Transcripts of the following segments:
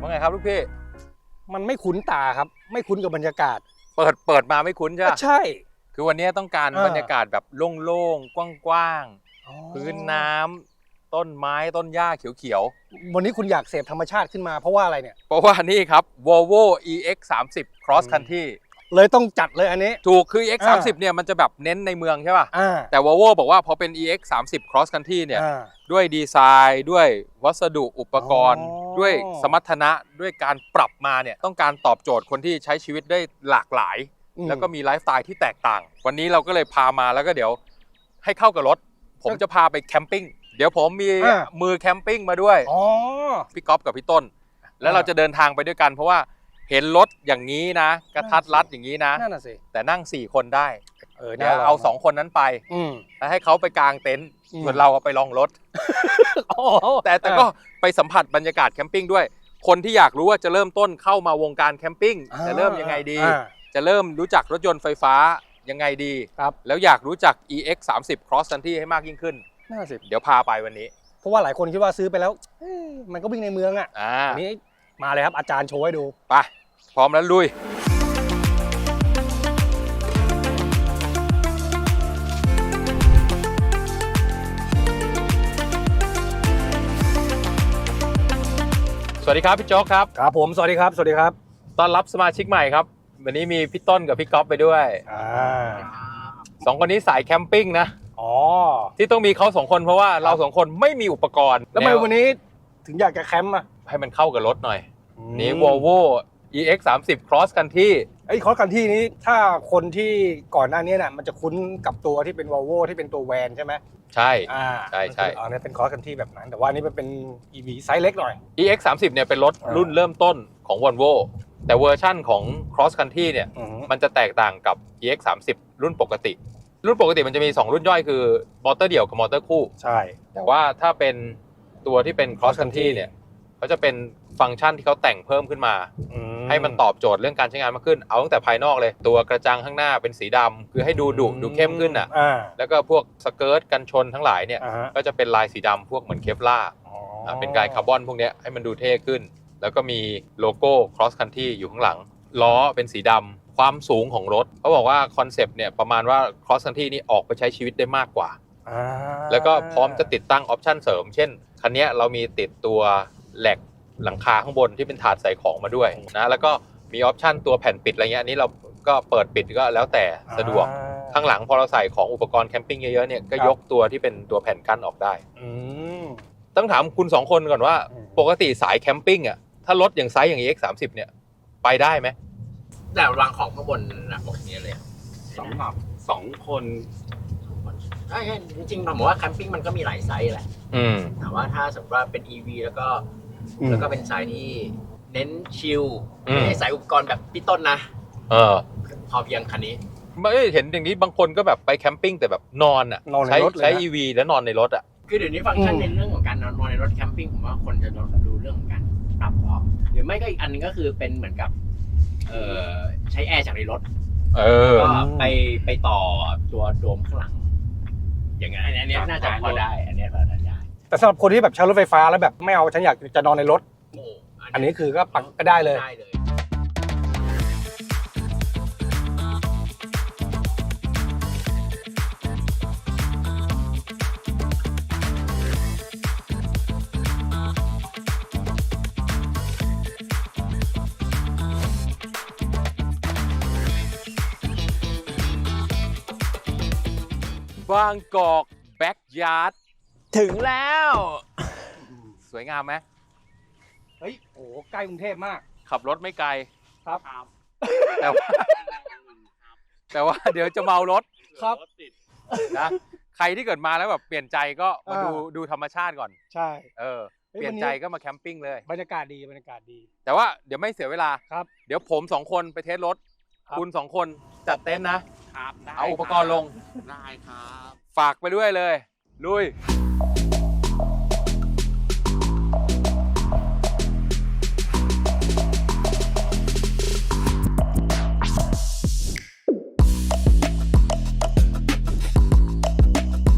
ว่าไงครับลูกพี่มันไม่คุ้นตาครับไม่คุ้นกับบรรยากาศเปิดมาไม่คุ้นใช่ไหมใช่คือวันนี้ต้องการบรรยากาศแบบโล่งๆกว้างๆพื้นน้ำต้นไม้ต้นหญ้าเขียวๆวันนี้คุณอยากเสพธรรมชาติขึ้นมาเพราะว่าอะไรเนี่ยเพราะว่านี่ครับ Volvo EX30 Cross Country เลยต้องจัดเลยอันนี้ถูกคือ EX30 เนี่ยมันจะแบบเน้นในเมืองใช่ป่ะแต่ Volvo บอกว่าพอเป็น EX30 Cross Country เนี่ยด้วยดีไซน์ด้วยวัสดุอุปกรณ์ด้วยสมรรถนะด้วยการปรับมาเนี่ยต้องการตอบโจทย์คนที่ใช้ชีวิตได้หลากหลายแล้วก็มีไลฟ์สไตล์ที่แตกต่างวันนี้เราก็เลยพามาแล้วก็เดี๋ยวให้เข้ากับรถผมจะพาไปแคมปิ้งเดี๋ยวผมมีมือแคมปิ้งมาด้วยพี่ก๊อฟกับพี่ต้นแล้วเราจะเดินทางไปด้วยกันเพราะว่าเห็นรถอย่างนี้นะกระทัดรัดอย่างนี้นะแต่นั่ง4คนได้เดี๋ยวเอา2คนนั้นไปแล้วให้เขาไปกางเต็นท์ส่วนเราไปลองรถแต่ก็ไปสัมผัสบรรยากาศแคมปิ้งด้วยคนที่อยากรู้ว่าจะเริ่มต้นเข้ามาวงการแคมปิ้งจะเริ่มยังไงดีจะเริ่มรู้จักรถยนต์ไฟฟ้ายังไงดีแล้วอยากรู้จัก EX30 Cross Country ให้มากยิ่งขึ้นเดี๋ยวพาไปวันนี้เพราะว่าหลายคนคิดว่าซื้อไปแล้วมันก็วิ่งในเมืองอันนี้มาเลยครับอาจารย์โชว์ให้ดูไปพร้อมแล้วลุยสวัสดีครับพี่โจ๊กครับครับผมสวัสดีครับสวัสดีครับต้อนรับสมาชิกใหม่ครับวันนี้มีพี่ต้นกับพี่ก๊อฟไปด้วย2 คนนี้สายแคมปิ้งนะที่ต้องมีเขา2 คนเพราะว่าเรา2 คนไม่มีอุปกรณ์แล้วทำไมวันนี้ถึงอยากจะแคมป์ให้มันเข้ากับรถหน่อยนี่ Volvo EX30 Cross Country Cross Country นี้ถ้าคนที่ก่อนหน้านี้มันจะคุ้นกับตัวที่เป็น Volvo ที่เป็นตัวแวนใช่ไหมใช่ใช่อันนี้เป็น Cross Country แบบนั้นแต่ว่านี้มันเป็น EV ไซส์เล็กหน่อย EX30 เนี่ยเป็นรถรุ่นเริ่มต้นของ Volvo แต่เวอร์ชั่นของ Cross Country เนี่ยมันจะแตกต่างกับ EX30 รุ่นปกติมันจะมี2รุ่นย่อยคือมอเตอร์เดี่ยวกับมอเตอร์คู่ใช่แต่ว่าถ้าเป็นตัวที่เป็น Cross Country เนี่ยเขาจะเป็นฟังก์ชันที่เขาแต่งเพิ่มขึ้นมาให้มันตอบโจทย์เรื่องการใช้งานมากขึ้นเอาตั้งแต่ภายนอกเลยตัวกระจังข้างหน้าเป็นสีดำคือให้ดูดุดูเข้มขึ้นแล้วก็พวกสเกิร์ตกันชนทั้งหลายเนี่ยก็จะเป็นลายสีดำพวกเหมือนเคปล่าเป็นลายคาร์บอนพวกนี้ให้มันดูเท่ขึ้นแล้วก็มีโลโก้ Cross Country อยู่ข้างหลังล้อเป็นสีดำความสูงของรถเขาบอกว่าคอนเซปต์เนี่ยประมาณว่า Cross Country นี่ออกไปใช้ชีวิตได้มากกว่าแล้วก็พร้อมจะติดตั้งออปชั่นเสริมเช่นคันนี้เรามีติดตัวแหลกหลังคาข้างบนที่เป็นถาดใส่ของมาด้วยนะแล้วก็มีออปชั่นตัวแผ่นปิดอะไรเงี้ยอันนี้เราก็เปิดปิดก็แล้วแต่สะดวกข้างหลังพอเราใส่ของอุปกรณ์แคมปิ้งเยอะๆเนี่ยก็ยกตัวที่เป็นตัวแผ่นกั้นออกได้ต้องถามคุณ2 คนก่อนว่าปกติสายแคมปิ้งถ้ารถอย่างไซส์อย่าง EX30 เนี่ยไปได้ไหมแต่วางของข้างบนนะบอกนี้เลย 2 คนใช่จริงๆผมว่าแคมปิ้งมันก็มีหลายไซส์แหละแต่ว่าถ้าสมมติว่าเป็น EV แล้วก็เป็นสายที่เน้นชิลไม่ใช่สายอุปกรณ์แบบพี่ต้นนะพอเพียงคันนี้ไม่เห็นอย่างนี้บางคนก็แบบไปแคมปิ้งแต่แบบนอนใช้ EV แล้วนอนในรถคือเดี๋ยวนี้ฟังก์ชันในเรื่องของการนอนในรถแคมปิ้งผมว่าคนจะดูเรื่องของการปรับออกหรือไม่ก็อีกอันนึงก็คือเป็นเหมือนกับใช้แอร์จากในรถก็ไปต่อตัวโดมข้างหลังอย่างนั้นอันนี้น่าจะพอได้อันนี้พอได้แต่สำหรับคนที่แบบใช้รถไฟฟ้าแล้วแบบไม่เอาฉันอยากจะนอนในรถอันนี้คือก็ปักก็ได้เลยบางกอกแบ็กยาร์ดถึงแล้วสวยงามไหมเฮ้ยโอ้ใกล้กรุงเทพมากขับรถไม่ไกลครับแต่ว่าเดี๋ยวจะเมารถครับนะใครที่เกิดมาแล้วแบบเปลี่ยนใจก็มาดูธรรมชาติก่อนใช่เปลี่ยนใจก็มาแคมปิ้งเลยบรรยากาศดีแต่ว่าเดี๋ยวไม่เสียเวลาครับเดี๋ยวผม2 คนไปเทสรถคุณ2 คนจัดเต็นท์นะเอาอุปกรณ์ลงได้ครับฝากไปด้วยเลยลุย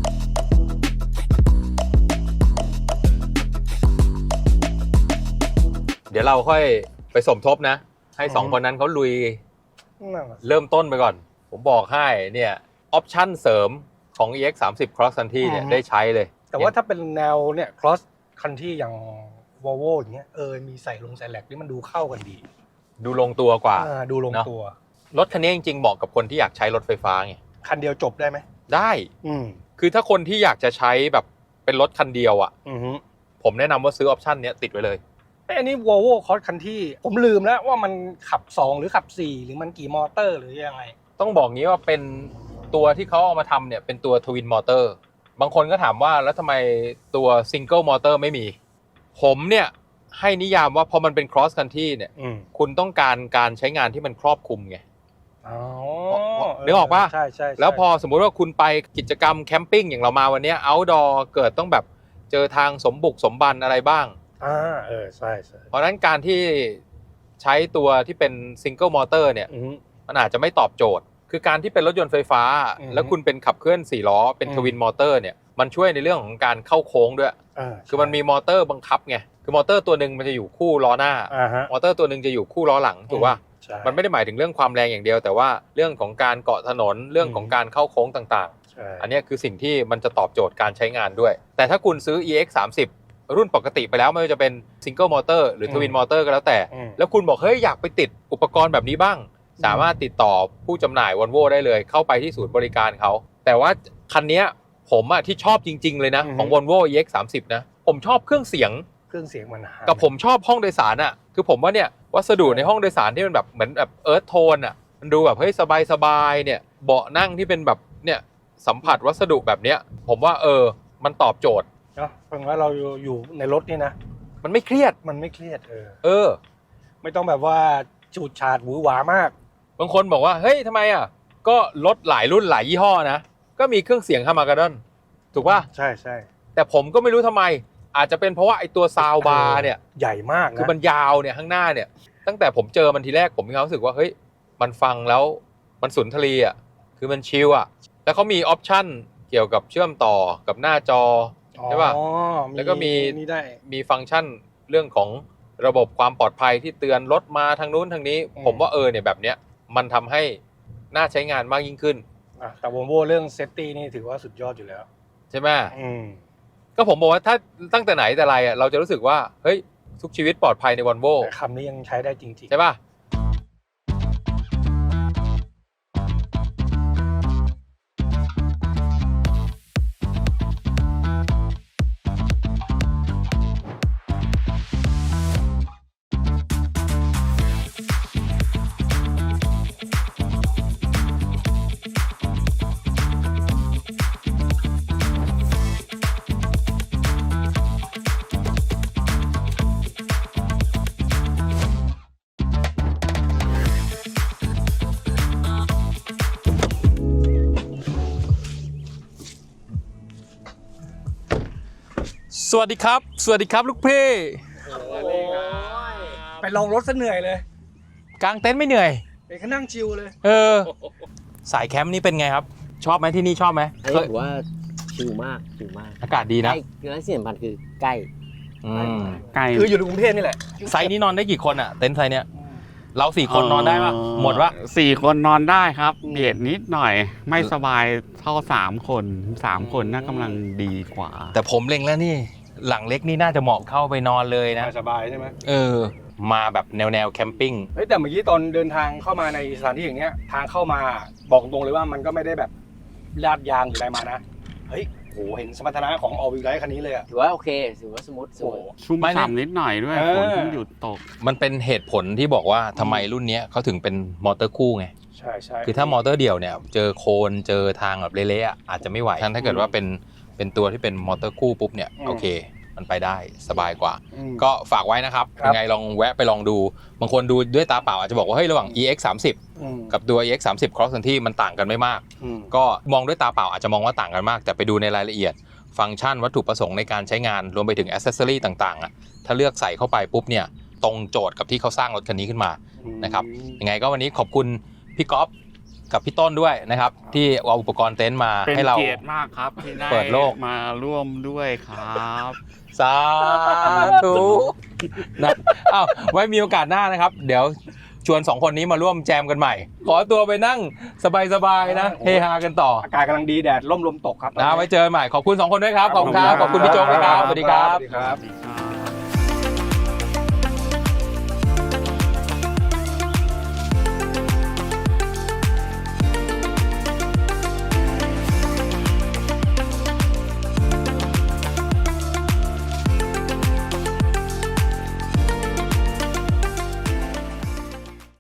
เดี๋ยวเราเราค่อยไปสมทบนะ ให้สองคนนั้นเขาลุยเริ่มต้นไปก่อน ผมบอกให้เนี่ยออปชั่นเสริมของ EX30 Cross Country เนี่ยได้ใช้เลยแต่ว่าถ้าเป็นแนวเนี่ย cross country อย่าง Volvo อย่างเงี้ยมีใส่แหลกนี่มันดูเข้ากันดีดูลงตัวกว่าดูลงตัวรถคันนี้จริงๆเหมาะกับคนที่อยากใช้รถไฟฟ้าไงคันเดียวจบได้ไหมได้ คือถ้าคนที่อยากจะใช้แบบเป็นรถคันเดียวอ่ะผมแนะนำว่าซื้อออปชั่นเนี้ยติดไว้เลยอันนี้ Volvo Cross Country ผมลืมแล้วว่ามันขับ2หรือขับ4หรือมันกี่มอเตอร์หรือยังไงต้องบอกงี้ว่าเป็นตัวที่เขาเอามาทำเนี่ยเป็นตัวทวินมอเตอร์บางคนก็ถามว่าแล้วทำไมตัวซิงเกิลมอเตอร์ไม่มีผมเนี่ยให้นิยามว่าพอมันเป็น cross country เนี่ยคุณต้องการใช้งานที่มันครอบคลุมไงนึกออกป่ะใช่แล้วพอสมมุติว่าคุณไปกิจกรรมแคมปิ้งอย่างเรามาวันนี้ outdoor เกิดต้องแบบเจอทางสมบุกสมบันอะไรบ้างใช่เพราะนั้นการที่ใช้ตัวที่เป็นซิงเกิลมอเตอร์เนี่ยมันอาจจะไม่ตอบโจทย์คือการที่เป็นรถยนต์ไฟฟ้าแล้วคุณเป็นขับเคลื่อน4ล้อเป็นทวินมอเตอร์เนี่ยมันช่วยในเรื่องของการเข้าโค้งด้วยคือมันมีมอเตอร์บังคับไงคือมอเตอร์ตัวหนึ่งมันจะอยู่คู่ล้อหน้ามอเตอร์ตัวหนึ่งจะอยู่คู่ล้อหลังถูกป่ะมันไม่ได้หมายถึงเรื่องความแรงอย่างเดียวแต่ว่าเรื่องของการเกาะถนนเรื่องของการเข้าโค้งต่างๆอันนี้คือสิ่งที่มันจะตอบโจทย์การใช้งานด้วยแต่ถ้าคุณซื้อ EX30 รุ่นปกติไปแล้วไม่ว่าจะเป็นซิงเกิลมอเตอร์หรือทวินมอเตอร์ก็แล้วแต่แล้วคุณบอกเฮ้ยอยากไปติดอุปกรณ์แบบนี้บ้างสามารถติดต่อผู้จำหน่าย Volvo ได้เลยเข้าไปที่ศูนย์บริการเขาแต่ว่าคันนี้ผมที่ชอบจริงๆเลยนะของ Volvo EX30 นะผมชอบเครื่องเสียงมันกับผมชอบห้องโดยสารคือผมว่าเนี่ยวัสดุในห้องโดยสารที่มันแบบเหมือนแบบเอิร์ธโทนมันดูแบบเฮ้ยสบายๆเนี่ยเบาะนั่งที่เป็นแบบเนี่ยสัมผัสวัสดุแบบเนี้ยผมว่ามันตอบโจทย์เนาะเพราะว่าเราอยู่ในรถนี่นะมันไม่เครียดไม่ต้องแบบว่าจูดฉาดหวือหวามากบางคนบอกว่าเฮ้ยทำไมก็รถหลายรุ่นหลายยี่ห้อนะก็มีเครื่องเสียงฮาร์มาการ์ดอนถูกป่ะใช่แต่ผมก็ไม่รู้ทำไมอาจจะเป็นเพราะว่าไอตัวซาวบาร์เนี่ยใหญ่มากนะคือมันยาวเนี่ยข้างหน้าเนี่ยตั้งแต่ผมเจอมันทีแรกผมมีความรู้สึกว่าเฮ้ยมันฟังแล้วมันสุนทรีคือมันชิลแล้วเขามีออปชั่นเกี่ยวกับเชื่อมต่อกับหน้าจอใช่ป่ะแล้วก็มีฟังก์ชันเรื่องของระบบความปลอดภัยที่เตือนรถมาทางนู้นทางนี้ผมว่าเนี่ยแบบเนี้ยมันทำให้น่าใช้งานมากยิ่งขึ้นแต่ Volvo เรื่องเซฟตี้นี่ถือว่าสุดยอดอยู่แล้วใช่ไหมก็ผมบอกว่าถ้าตั้งแต่ไหนแต่ไรเราจะรู้สึกว่าเฮ้ยทุกชีวิตปลอดภัยใน Volvo คำนี้ยังใช้ได้จริงๆใช่ป่ะสวัสดีครับลูกพี่ไปลองรถซะเหนื่อยเลยกางเต็นท์ไม่เหนื่อยไปแค่นั่งชิลเลยสายแคมป์นี่เป็นไงครับชอบไหมที่นี่ชอบไหมถือว่าชิลมากอากาศดีนะและสิ่งสำคัญคือใกล้คืออยู่ในกรุงเทพนี่แหละไซส์นี้นอนได้กี่คนเต็นท์ไซส์เนี้ยเรา4 คนนอนได้ปะหมดวะ 4 คนนอนได้ครับเบียดนิดหน่อยไม่สบายเท่า3 คนน่ากำลังดีกว่าแต่ผมเล็งแล้วนี่หลังเล็กนี่น่าจะเหมาะเข้าไปนอนเลยนะสบายใช่ไหมมาแบบแนวแคมปิ้งแต่เมื่อกี้ตอนเดินทางเข้ามาในสถานที่อย่างเนี้ยทางเข้ามาบอกตรงเลยว่ามันก็ไม่ได้แบบลาดยางหรืออะไรมานะเฮ้ยโหเห็นสมรรถนะของ All Wheel Drive คันนี้เลยถือว่าโอเคถือว่าสมูทชุ่มฉ่ำนิดหน่อยด้วยฝนเพิ่งหยุดตกมันเป็นเหตุผลที่บอกว่าทำไมรุ่นนี้เขาถึงเป็นมอเตอร์คู่ไงใช่คือถ้ามอเตอร์เดี่ยวเนี่ยเจอโคลนเจอทางแบบเละๆอาจจะไม่ไหวถ้าเกิดว่าเป็นตัวที่เป็นมอเตอร์คู่ปุ๊บเนี่ยโอเคมันไปได้สบายกว่าก็ฝากไว้นะครับยังไงลองแวะไปลองดูบางคนดูด้วยตาเปล่าอาจจะบอกว่าเฮ้ยระหว่าง EX30 กับตัว EX30 Cross Country มันต่างกันไม่มากก็มองด้วยตาเปล่าอาจจะมองว่าต่างกันมากแต่ไปดูในรายละเอียดฟังก์ชันวัตถุประสงค์ในการใช้งานรวมไปถึงแอคเซสซอรี่ต่างๆถ้าเลือกใส่เข้าไปปุ๊บเนี่ยตรงโจทย์กับที่เขาสร้างรถคันนี้ขึ้นมานะครับยังไงก็วันนี้ขอบคุณพี่ก๊อฟกับพี่ต้นด้วยนะครับที่เอาอุปกรณ์เต็นท์มาให้เราเป็นเกียรติมากครับที่ได้เปิดโลกมาร่วมด้วยครับสาธุนะอ้าวไว้มีโอกาสหน้านะครับ เดี๋ยวชวน2คนนี้มาร่วมแจมกันใหม่ ขอตัวไปนั่งสบายๆนะเฮฮากันต่ออากาศกำลังดีแดดร่มลมตกครับนะไว้เจอกันใหม่ขอบคุณ2คนด้วยครับขอบคุณครับขอบคุณพี่โจ๊กนะครับสวัสดีครับสวัสดีครับ